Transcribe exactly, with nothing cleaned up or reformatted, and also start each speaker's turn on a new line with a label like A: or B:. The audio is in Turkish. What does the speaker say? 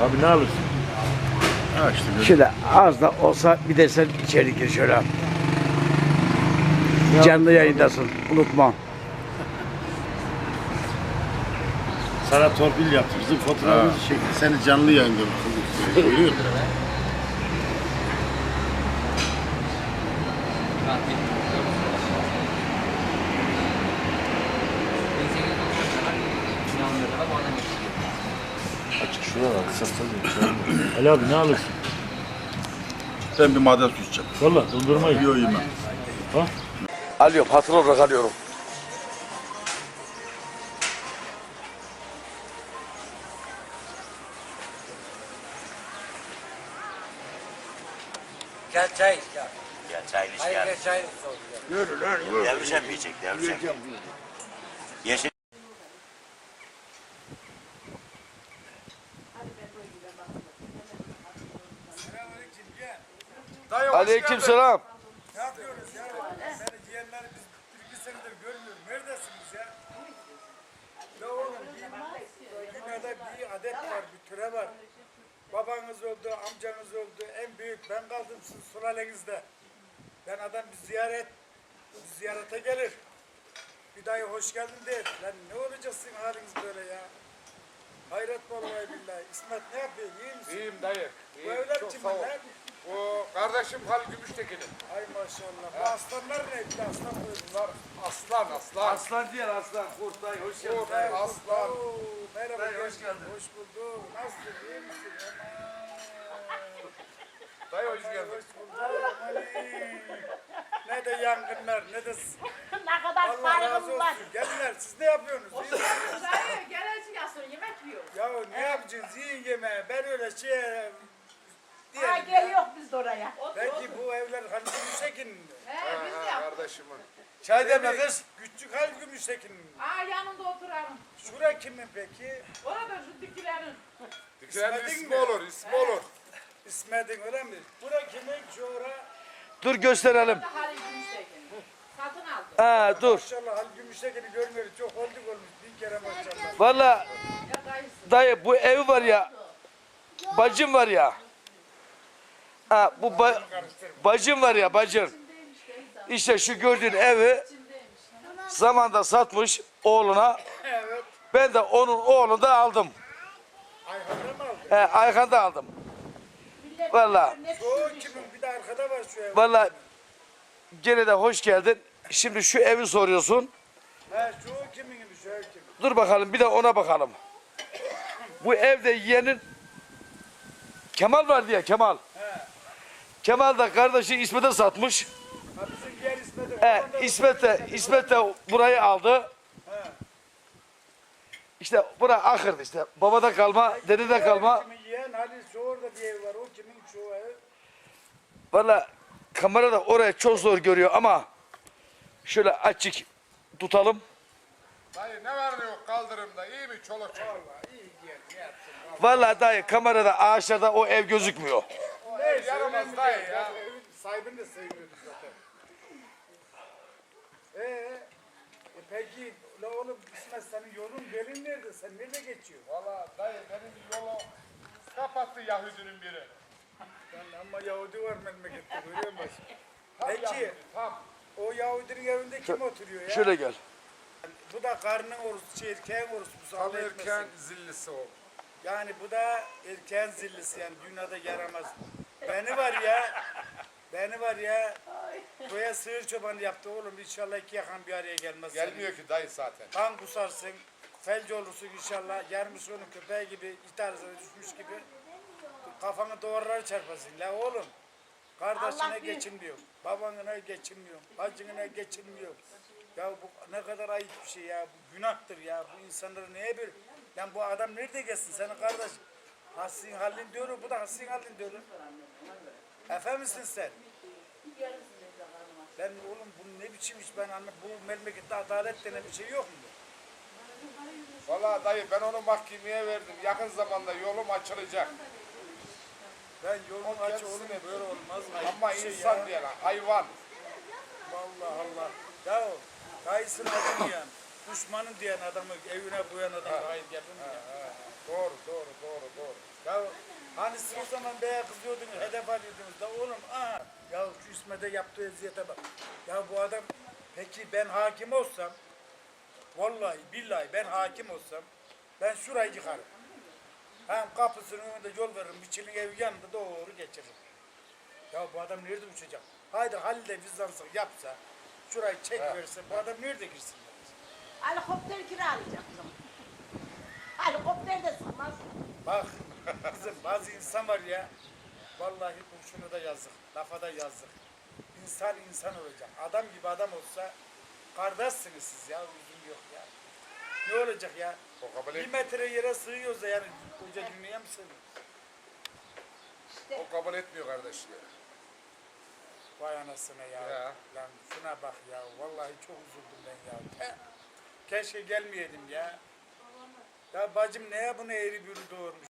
A: Abi ne alırsın?
B: Ha işte böyle.
C: Şöyle az da olsa bir de sen içeri gir şöyle. Canlı yayındasın. Unutma.
A: Sana torpil yaptı. Bizim fotoğrafımızı çekti. Seni canlı yayında görüyor musun? Açık şuralar. Satsa Ali abi ne alırsın?
B: Ben bir maden su içeceğim.
A: Valla dondurma yiyor.
B: Yiyor yemem.
A: Ha?
C: Alıyorum. Hatır olarak alıyorum.
D: Gel çay iç gel.
E: Ya çaylı iş
D: Hayır
E: geldi.
D: gel çay iç.
B: Yürü lan yürü.
E: Devrişem yiyecek, devrişem. Yeşil.
C: Aleykümselam.
F: Ne yapıyoruz ya? Beni ciğerleri biz bir iki senedir görmüyorum. Neredesiniz ya? Ya oğlum bir dünyada bir adet var, bir türe var. Babanız öldü, amcanız öldü, en büyük ben kaldım sizin sülalenizde. Ben adam bir ziyaret, bir ziyarete gelir. Bir dayı hoş geldin der. Lan ne olacak sizin haliniz böyle ya? Hayret vallahi billahi. İsmet ne yapıyor? İyi misin?
G: İyiyim dayı.
F: Bu
G: İyiyim.
F: evler
G: Çok
F: kimin
G: sağ ol.
F: lan?
G: O kardeşim Halil Gümüştekin'in.
F: Ay maşallah. Bu aslanlar ne? Bir de aslan koydular.
G: Aslan aslan.
C: Aslan diyen aslan. Kurt dayı hoş geldin.
G: O dayı aslan.
F: Oo, merhaba.
C: Dayı, hoş
F: hoş
C: geldin.
F: Hoş bulduk. Nasılsın? İyi misin?
G: Dayı hoş
F: Aman,
G: geldin.
F: hoş bulduk. Ali. Ne de yangınlar ne de
H: Ne kadar
F: Allah razı
H: saygım var.
F: olsun. Geldiler. Siz ne yapıyorsunuz? İyi misiniz?
H: Hayır, gelecek aslında yemek yiyor.
F: Ya ne yapacağız? Yiyin yemeği. Ben öyle şey
H: Ha
F: diyelim
H: gel
F: ya.
H: yok biz de oraya.
F: Belki bu evler Halil Gümüştekin'in mi?
H: He biz de
G: Ha,
H: yaptık.
G: kardeşimin.
C: Çay demle kız.
F: Küçük Halil Gümüştekin'in mi?
H: Aa yanında oturalım.
F: Şura kimin peki?
H: Orada şu dikilerin.
G: Dükkanın
F: İsmet'in
G: ismi
F: mi?
G: olur, ismi olur.
F: İsmet'in öyle mi? Bura kimin? Şura.
C: Dur gösterelim.
H: Da Halil Gümüştekin. Satın aldı.
C: Ha dur.
F: Maşallah Halil Gümüştekin'i görmüyoruz. Çok olduk olmuş. Bir kere maşallah.
C: Valla
H: Ya dayısı.
C: dayı bu ev var ya. Bacım var ya. Ha bu ba- bacım var ya bacın. İşte şu gördüğün evi zamanda satmış oğluna.
F: Evet.
C: Ben de onun oğlunu da aldım.
F: Ayhan'da mı aldın?
C: He, Ayhan'da aldım. Valla
F: Şu kimin? Bir de arkada var şu ev.
C: valla gene de hoş geldin. Şimdi şu evi soruyorsun.
F: He şu kiminmiş şu ev kimin?
C: Dur bakalım bir de ona bakalım. Bu evde yeğenin Kemal var diye Kemal. Kemal da kardeşi İsmet'e satmış.
F: Ha bizim diğer İsmet'in.
C: He,
F: Oradan da-
C: İsmet de, İsmet de burayı aldı. İşte bura ahırdı işte. Babada kalma, dedede kalma.
F: Kimin yeğen Halil şu orada bir ev var. O kimin şu ev?
C: Valla kamerada orayı çok zor görüyor ama şöyle açık tutalım.
G: Dayı ne var ne yok kaldırımda, iyi mi çoluk çocuk?
F: Vallahi iyi diyen ne yapsın?
C: Valla dayı kamerada ağaçlarda o ev gözükmüyor.
F: Neyse
G: yaramaz
F: önemli
G: dayı
F: değil.
G: ya.
F: Evin sahibini de sevmiyorduk zaten. Ee, e peki la oğlum İsmet senin yolun belin nerede? Sen nerede geçiyorsun?
G: Valla dayı benim yolu kapattı Yahudinin biri.
F: Lan ama Yahudi var memlekette görüyor musun?
G: Tam
F: Peki
G: Yahudi, tam.
F: o Yahudinin evinde kim oturuyor ya?
C: Şöyle gel.
F: Bu da karnın orospu, şey, erkeğin orospusu.
G: Tam
F: Allah
G: erken
F: etmesin.
G: zillisi o.
F: Yani bu da erkeğin zillisi yani dünyada yaramaz. Beni var ya, beni var ya, köye sığır çobanı yaptı oğlum. İnşallah iki yakan bir araya gelmez.
G: Gelmiyor ki dayı zaten.
F: Kan kusarsın, felç olursun inşallah. Yarmış onun köpeği gibi, itarsına düşmüş gibi. Kafanı duvarlara çarpasın. La oğlum, kardeşine
H: Allah büyük.
F: geçinmiyor, babanına geçinmiyor, bacına geçinmiyor. Ya bu ne kadar ayıp bir şey ya, bu günahtır ya. Bu insanları neye bir... Lan bu adam nerede geçsin senin kardeş? Hasin halin diyorum, bu da hasin halin diyorum. Efe misin sen? Ben oğlum bu ne biçim iş ben anlam. Bu memlekette adalet denen bir şey yok mu?
G: Valla dayı ben onu mahkemeye verdim. Yakın zamanda yolum açılacak.
F: Ben yolum
G: O
F: aç
G: kendisi
F: oğlum
G: ne
F: böyle olmaz mı? Ayıp
G: Ama
F: bir şey
G: insan
F: ya.
G: diye lan, hayvan.
F: Allah Allah. Ya o dayısını acımayan, düşmanın diyen adamı evine koyan adamı hayır yapın ya.
G: Doğru, doğru, doğru, doğru.
F: Ya hani siz o zaman beye kızıyordunuz, hedef alıyordunuz da oğlum aha ya şu İsmet'e yaptığı eziyete bak. Ya bu adam peki ben hakim olsam vallahi billahi ben hakim olsam ben şurayı yıkarım. Hem kapısının önünde yol veririm, bir çilin evi yanında doğru geçiririm. Ya bu adam nerede uçacak? Haydi Halil de vicdansızlık yapsa, şurayı çek verse bu adam nerede girsin?
D: Helikopter kiralayacaktım. Helikopter de sığmaz.
F: Bak kızım bazı insan var ya, vallahi kurşunu da yazık, lafa da yazık. İnsan insan olacak. Adam gibi adam olsa kardeşsiniz siz ya, üzüm yok ya. Ne olacak ya?
G: O kabul,
F: Bir
G: et,
F: metre yere sığıyoruz da yani koca dünyaya mı sığıyoruz?
G: o kabul etmiyor kardeşler.
F: Vay anasına ya.
G: Ya.
F: Lan şuna bak ya. Vallahi çok üzüldüm ben ya. Ke- Keşke gelmeyeydim ya. Ya bacım neye bunu eğri bürü doğurmuş?